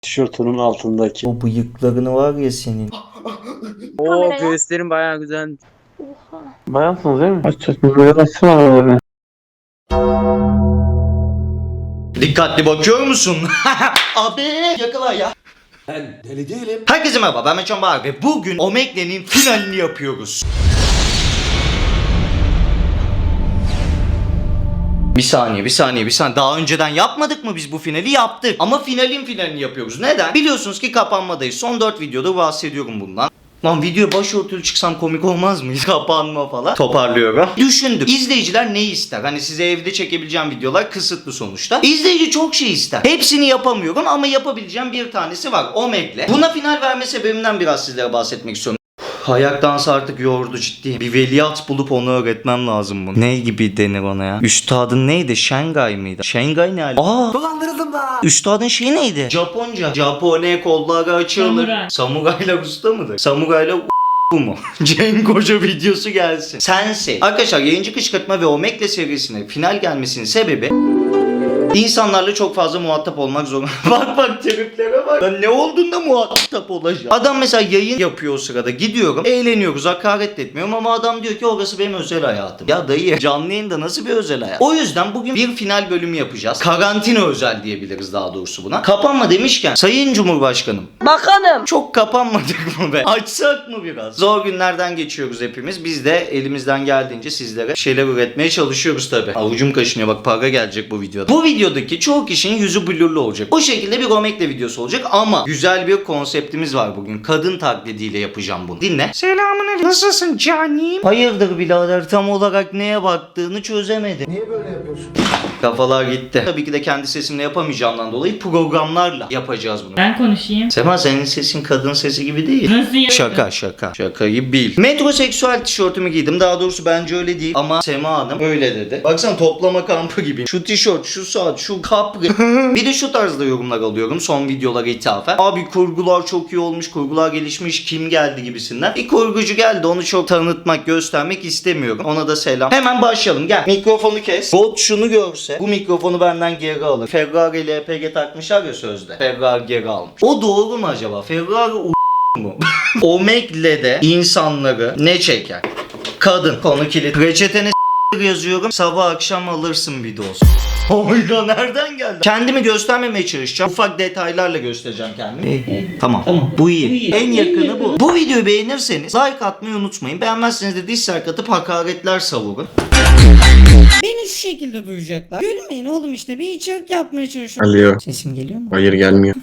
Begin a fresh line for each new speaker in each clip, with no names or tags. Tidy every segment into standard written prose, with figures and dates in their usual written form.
Tişörtünün altındaki.
O bıyıklarını var ya senin.
Oo göğüslerin bayağı güzel.
Oha.
Bayansınız değil mi? Aç böyle açsın aralarını.
Dikkatli bakıyor musun? Abi yakala ya.
Ben deli değilim.
Herkese merhaba, ben Meçhan Bahar ve bugün Omegle'nin finalini yapıyoruz. Bir saniye. Daha önceden yapmadık mı biz bu finali? Yaptık. Ama finalini yapıyoruz. Neden? Biliyorsunuz ki kapanmadayız. Son 4 videoda bahsediyorum bundan. Lan video başörtülü çıksam komik olmaz mı? Kapanma falan. Toparlıyorum. Düşündüm. İzleyiciler ne ister? Hani size evde çekebileceğim videolar kısıtlı sonuçta. İzleyici çok şey ister. Hepsini yapamıyorum ama yapabileceğim bir tanesi var. Omegle. Buna final verme sebebimden biraz sizlere bahsetmek istiyorum. Ayak dansı artık yordu ciddi. Bir veliaht bulup onu öğretmem lazım bunu. Ne gibi denir ona ya? Üstadın neydi? Şengay mıydı? Şengay ne hali?
Dolandırıldım da.
Üstadın şeyi neydi? Japonca. Japone kolları açılır. Samurayla usta mıdır? Samurayla bu mu? Cenk Hoca videosu gelsin. Sensei. Arkadaşlar yayıncı kışkırtma ve Omegle serisine final gelmesinin sebebi İnsanlarla çok fazla muhatap olmak zorunda. bak triplere bak. Ben ne olduğunda muhatap olacağım. Adam mesela yayın yapıyor o sırada. Gidiyorum. Eğleniyoruz. Hakaret etmiyorum ama adam diyor ki orası benim özel hayatım. Ya dayı canlı yayında nasıl bir özel hayat? O yüzden bugün bir final bölümü yapacağız. Karantina özel diyebiliriz daha doğrusu buna. Kapanma demişken Sayın Cumhurbaşkanım.
Bakanım.
Çok kapanmadık mı be? Açsak mı biraz? Zor günlerden geçiyoruz hepimiz. Biz de elimizden geldiğince sizlere şeyler üretmeye çalışıyoruz tabi. Avucum kaşınıyor bak, para gelecek bu videoda. Bu videodaki çoğu kişinin yüzü blurlu olacak. O şekilde bir Omegle videosu olacak ama güzel bir konseptimiz var bugün. Kadın taklidiyle yapacağım bunu. Dinle. Selamünaleyküm. Nasılsın canim? Hayırdır birader, tam olarak neye baktığını çözemedim.
Niye böyle yapıyorsun?
Kafalar gitti. Tabii ki de kendi sesimle yapamayacağımdan dolayı programlarla yapacağız bunu.
Ben konuşayım.
Sema senin sesin kadın sesi gibi değil.
Nasıl ya?
Şaka. Şaka gibi değil. Metroseksüel tişörtümü giydim. Daha doğrusu bence öyle değil. Ama Sema Hanım öyle dedi. Baksana toplama kampı gibi. Şu tişört, şu saat, şu kapri. Bir de şu tarzda yorumlar alıyorum son videolara ithafen. Abi kurgular çok iyi olmuş, kurgular gelişmiş, kim geldi gibisinden. Bir kurgucu geldi, onu çok tanıtmak, göstermek istemiyorum. Ona da selam. Hemen başlayalım, gel. Mikrofonu kes. Bot şunu görse bu mikrofonu benden geri alır. Ferrari ile LPG takmışlar ya sözde. Ferrari geri almış. O doğru mu acaba? Ferrari mu? Omegle'de insanları ne çeker? Kadın. Konu kilit. Reçetene yazıyorum. Sabah akşam alırsın bir doz. Oyda nereden geldi? Kendimi göstermemeye çalışacağım. Ufak detaylarla göstereceğim kendimi. Tamam. Bu iyi. En yakını bu. Bu videoyu beğenirseniz like atmayı unutmayın. Beğenmezseniz de dislike atıp hakaretler savurun.
Beni şu şekilde duyacaklar. Gülmeyin oğlum, işte bir içerik yapmaya çalışıyorum.
Alo.
Sesim geliyor mu?
Hayır gelmiyor.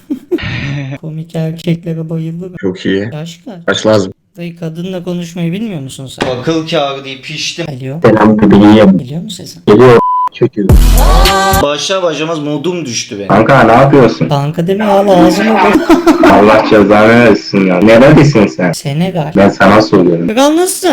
Komik erkeklere bayılırım.
Çok iyi.
Yaş kaç?
Kaç lazım?
Dayı kadınla konuşmayı bilmiyor musun sen?
Akıl kârı deyip piştim.
Alo.
Selam bebeğim.
Geliyor mu sesin?
Geliyor. Çekiyor.
Başlar başlamaz modum düştü benim.
Kanka ne yapıyorsun?
Kanka deme ya, ağzımı bak.
Allah cezanı versin ya. Neredesin sen?
Senegal.
Ben sana soruyorum.
Kral nasıl?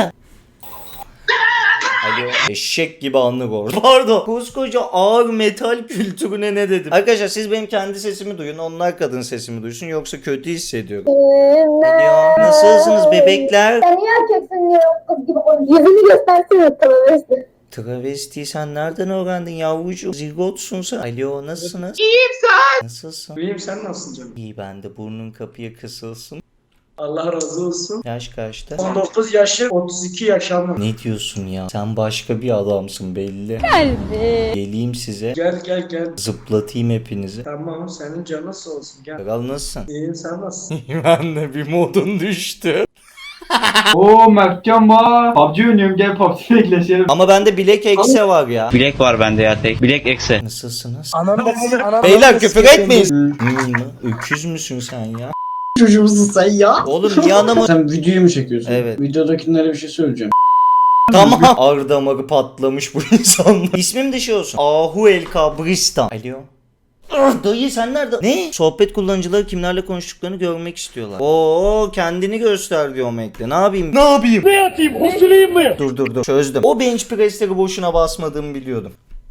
Alo. Eşek gibi anlık orada. Pardon. Koskoca ağır metal kültürüne ne dedim? Arkadaşlar siz benim kendi sesimi duyun. Onlar kadın sesimi duysun. Yoksa kötü hissediyorum. Alo. Nasılsınız bebekler?
Sen niye erkeksin diye kız gibi konuşuyorsun? Yüzünü göstersene travesti.
Travesti sen nereden öğrendin yavrucuğum? Zigotsun sen. Alo nasılsınız? İyiyim sen. Nasılsın?
İyiyim, sen nasılsın canım?
İyi ben de, burnun kapıya kısılsın.
Allah razı olsun.
Yaş kaçta?
19 yaşı, 32 yaşamım.
Ne diyorsun ya? Sen başka bir adamsın belli. Geleyim size.
Gel.
Zıplatayım hepinizi.
Tamam, senin canın sağ olsun, gel.
Kral nasılsın?
İyiyim, sen nasılsın?
Ben de bir modun düştü.
Oo Mertcan var. PUBG oynuyorum, gel PUBG bekleşelim.
Ama bende bilek ekse var ya.
Bilek var bende ya tek. Bilek ekse.
Nasılsınız?
Anam
Beyler küfür etmeyin. Öküz müsün sen ya?
Çocuğumuzu sen ya.
Oğlum niye anamı...
Sen videoyu mu çekiyorsun?
Evet.
Videodakilere bir şey söyleyeceğim.
Tamam. Ağrı damarı patlamış bu insanlar. İsmim de şey olsun. Ahu El Kabristan. Alo. Dayı sen nerede? Ne? Sohbet kullanıcıları kimlerle konuştuklarını görmek istiyorlar. Oo kendini göster diyor Omegle'de. Ne yapayım? Ne yapayım? Osurayım mı? Dur. Çözdüm. O bench press'leri boşuna basmadığımı biliyordum.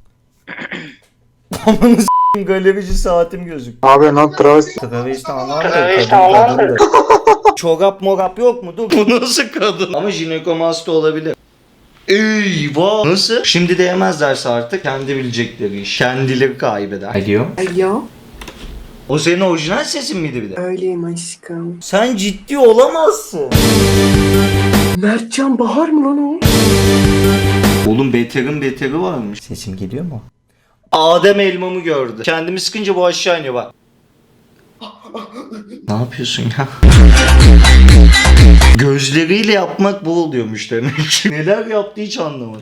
Amanı s***im, galerici saatim gözük.
Abi lan travesti.
Travesti anlamda. Çorap morap yok mu? Dur. Bu nasıl kadın? Ama jinekomasti olabilir. Eyvah. Nasıl? Şimdi de yemezlerse artık kendi bilecekleri iş. Kendileri kaybeder. Alo.
Alo.
O senin orijinal sesin miydi bir de?
Öyleyim aşkım.
Sen ciddi olamazsın.
Mertcan Bahar mı lan o?
Oğlum beterin beteri varmış. Sesim geliyor mu? Adem elmamı gördü. Kendimi sıkınca bu aşağı iniyor bak. Ne yapıyorsun ya? Gözleriyle yapmak bu oluyormuş demek ki. Neler yaptı hiç anlamadım.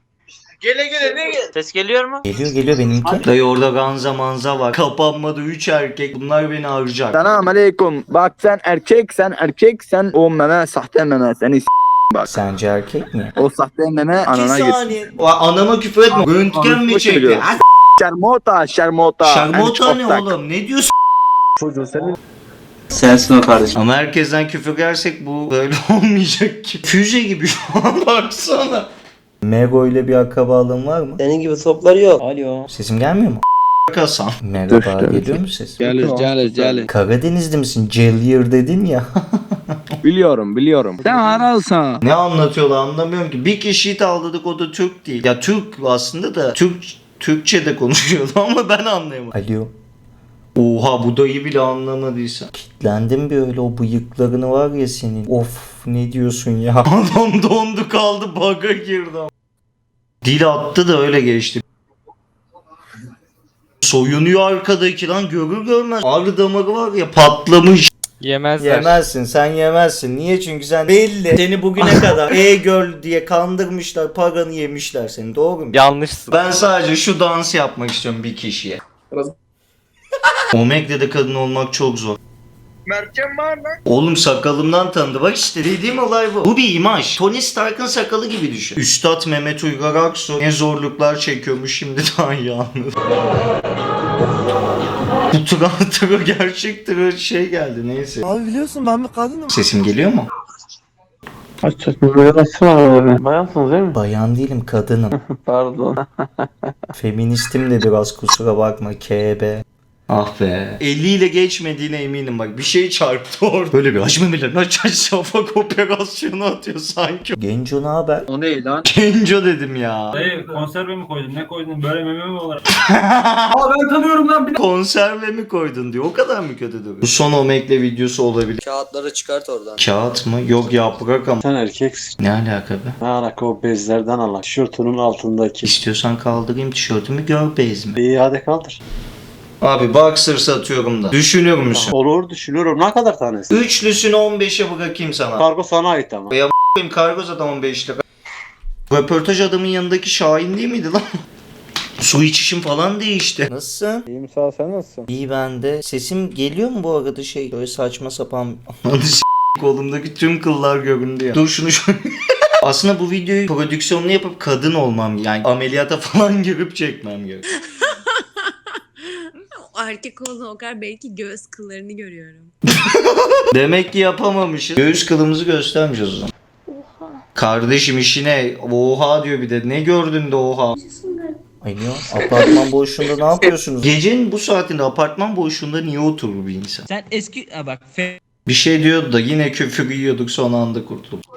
Ses geliyor mu?
Geliyor benimki. Dayı orada ganza manza var. Kapanmadı 3 erkek. Bunlar beni harcar.
Selam aleyküm. Bak sen erkek sen o meme sahte meme seni bak.
Sence erkek mi?
O sahte meme anana git.
Anama küfür etme. Röntgen mi çekti?
biliyorum. Şermota.
Şarmota
Yani
ne
çok tak.
oğlum? Ne diyorsun?
Çocuğu senin.
Sensin o kardeşim.
Ama herkesten küfür yersek bu böyle olmayacak ki. Füze gibi şu an baksana. Mego ile bir akrabalığın var mı?
Senin gibi topları yok.
Alo.
Sesim gelmiyor mu? Kasan. Merhaba, geliyor mu ses?
Gelir.
Karadeniz'de misin? Cellier dedin ya.
Biliyorum. Sen aralsan.
Ne anlatıyorlar anlamıyorum ki. Bir kişiyi tavladık o da Türk değil. Ya Türk aslında da Türkçe de konuşuyordu ama ben anlayamadım. Alo. Oha bu dayı bile anlamadıysa. Kitlendim bir öyle o bıyıklarını var ya senin. Of ne diyorsun ya. Adam dondu kaldı bug'a girdi. Dil attı da öyle geçti. Soyunuyor arkadaki lan görür görmez. Ağrı damarı var ya patlamış.
Yemezler.
Yemezsin sen yemezsin. Niye? Çünkü sen belli. Seni bugüne kadar e-girl diye kandırmışlar. Paranı yemişler seni. Doğru mu?
Yanlışsın.
Ben sadece şu dans yapmak istiyorum bir kişiye. Omegle'de kadın olmak çok zor.
Mertcan Bahar lan.
Oğlum sakalımdan tanıdı. Bak işte dediğim olay bu. Bu bir imaj. Tony Stark'ın sakalı gibi düşün. Üstad Mehmet Uygar Aksu ne zorluklar çekiyormuş şimdi daha iyi anladım. Bu tıra gerçek tıra şey geldi neyse.
Abi biliyorsun ben bir kadınım.
Sesim geliyor mu?
Bayansınız değil mi?
Bayan değilim kadınım.
Pardon.
Feministim de biraz kusura bakma KB. Ah be. 50 ile geçmediğine eminim bak. Bir şey çarptı orada. Böyle bir aç memelerini aç şafak operasyonu atıyor sanki. Genco ne haber?
O ne lan?
Genco dedim ya.
Dayı konserve mi koydun? Ne koydun? Böyle meme mi olur?
Aa ben tanıyorum lan.
Konserve mi koydun diyor. O kadar mı kötü duruyor? Bu son Omegle videosu olabilir.
Kağıtları çıkart oradan.
Kağıt mı? Yok yaprak ama.
Sen erkeksin.
Ne alaka be?
Ne alaka o bezlerden al. Tişörtünün altındaki.
İstiyorsan kaldırayım tişörtümü gör bez mi?
İyi hadi kaldır.
Abi boxer satıyorum da. Düşünür müsün?
Olur düşünüyorum. Ne kadar tanesi?
Üçlüsünü 15'e bırakayım sana.
Kargo sana ait ama.
Benim kargo zaten 15 lira. Röportaj adamın yanındaki Şahin değil miydi lan? Su içişim falan değişti. Nasılsın?
İyiyim sağ ol sen nasılsın?
İyi ben de. Sesim geliyor mu bu arada şey? Böyle saçma sapan. Kolumdaki tüm kıllar göründü ya. Dur şunu şöyle. Aslında bu videoyu prodüksiyonunu yapıp kadın olmam yani ameliyata falan girip çekmem gerek.
Erkek olduğuna o kadar belki göğüs kıllarını görüyorum.
Demek ki yapamamışız. Göğüs kılımızı göstermeyeceğiz o zaman.
Oha.
Kardeşim işine oha diyor bir de. Ne gördün de oha. Ay niye? Apartman boşluğunda ne yapıyorsunuz? Gecenin bu saatinde apartman boşluğunda niye oturur bir insan?
Sen eski bak
Bir şey diyordu da yine küfür yiyorduk son anda kurtulduk.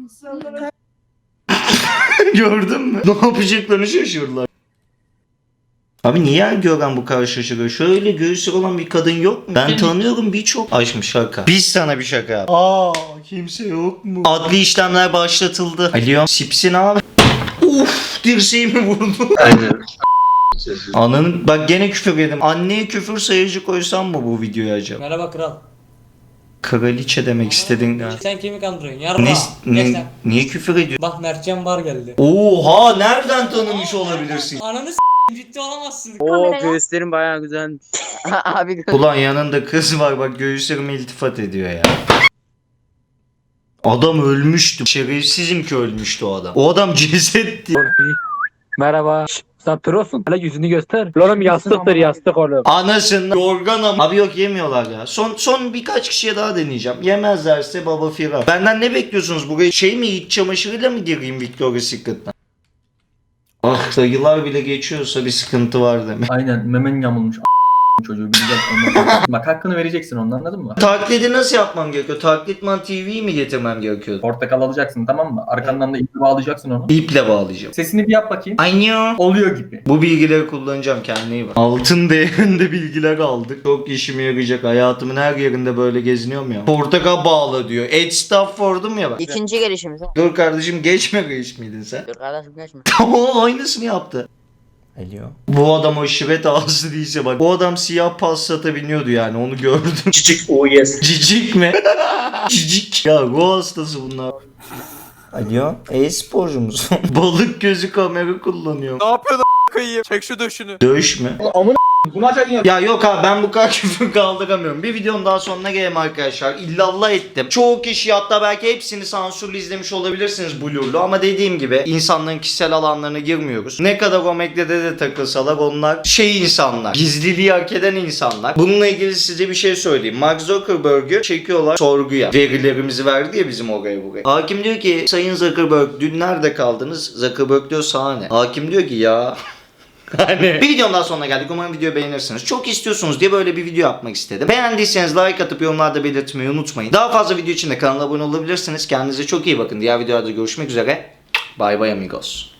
Gördün mü? Ne yapacaklarını şaşırdılar. Abi niye Gören bu kadar şaşırıyor? Şöyle göğüsü olan bir kadın yok mu? Ben tanıyorum birçok. Aşkım şaka. Biz sana bir şaka yap. Kimse yok mu? Adli işlemler başlatıldı. Alo. Sipsin abi. Uf dirseğimi vurdu.
Aynen.
Ananın bak gene küfür yedim. Anneye küfür sayıcı koysam mı bu videoya acaba?
Merhaba kral.
Kraliçe demek istedin galiba.
Sen kimi kandırıyorsun? Yarra.
Niye küfür ediyorsun?
Bak Mertcan Bar geldi.
Oha nereden tanımış olabilirsin?
Ananı ciddi olamazsın. Oo göğüslerin bayağı güzel.
Abi
Ulan yanında kız var bak göğüslerime iltifat ediyor ya. Adam ölmüştü. Şerefsizim ki ölmüştü o adam. O adam cesetti.
merhaba. Sen prosun. Hele yüzünü göster. Oğlum yastıktır yastık oğlum.
Anasını yorgan ama. Abi yok yemiyorlar ya. Son birkaç kişiye daha deneyeceğim. Yemezlerse baba firar. Benden ne bekliyorsunuz? Buraya şey mi iç çamaşırıyla mı gireyim Victoria's Secret'tan? Ah dayılar bile geçiyorsa bir sıkıntı var demek.
Aynen memen yamulmuş. çocuğu bileceksin. Ondan. Bak hakkını vereceksin onun, anladın mı?
Taklidi nasıl yapmam gerekiyor? Taklitman TV'yi mi getirmem gerekiyor?
Portakal alacaksın, tamam mı? Arkandan da iple bağlayacaksın onu.
İple bağlayacağım.
Sesini bir yap bakayım.
Anyo.
Oluyor gibi.
Bu bilgileri kullanacağım, kendine iyi bak. Altın değerinde bilgiler aldık. Çok işime yarayacak. Hayatımın her yerinde böyle geziniyorum ya. Portakal bağla diyor. Ed Stafford'um ya bak.
İkinci gelişimiz.
Dur kardeşim, geçme reis miydin sen?
Dur kardeşim geçme.
Tamam, aynısını yaptı. Alo. Bu adam aşiret ağası değilse bak. Bu adam siyah Passat'a biniyordu yani, onu gördüm.
Cicik oh yes.
Cicik mi? Cicik. Ya ruh hastası bunlar. Alo. E-sporcu musun? Balık gözü kamera kullanıyor.
Ne yapıyorsun a**ayım? Çek şu döşünü.
Dövüş mü?
Bunu açarken
Ya yok abi, ben bu kadar küfür kaldıramıyorum. Bir videonun daha sonuna gelelim arkadaşlar. İllallah ettim. Çoğu kişi, hatta belki hepsini sansürlü izlemiş olabilirsiniz Blur'lu, ama dediğim gibi insanların kişisel alanlarına girmiyoruz. Ne kadar o medyada de takılsalar onlar insanlar. Gizliliği hak eden insanlar. Bununla ilgili size bir şey söyleyeyim. Mark Zuckerberg'ü çekiyorlar sorguya. Verilerimizi verdi ya bizim oraya buraya. Hakim diyor ki, Sayın Zuckerberg dün nerede kaldınız? Zuckerberg diyor, sana ne? Hakim diyor ki ya... Hani bir videomdan sonuna geldik. Umarım videoyu beğenirsiniz. Çok istiyorsunuz diye böyle bir video yapmak istedim. Beğendiyseniz like atıp yorumlarda belirtmeyi unutmayın. Daha fazla video için de kanala abone olabilirsiniz. Kendinize çok iyi bakın. Diğer videolarda görüşmek üzere. Bye bye amigos.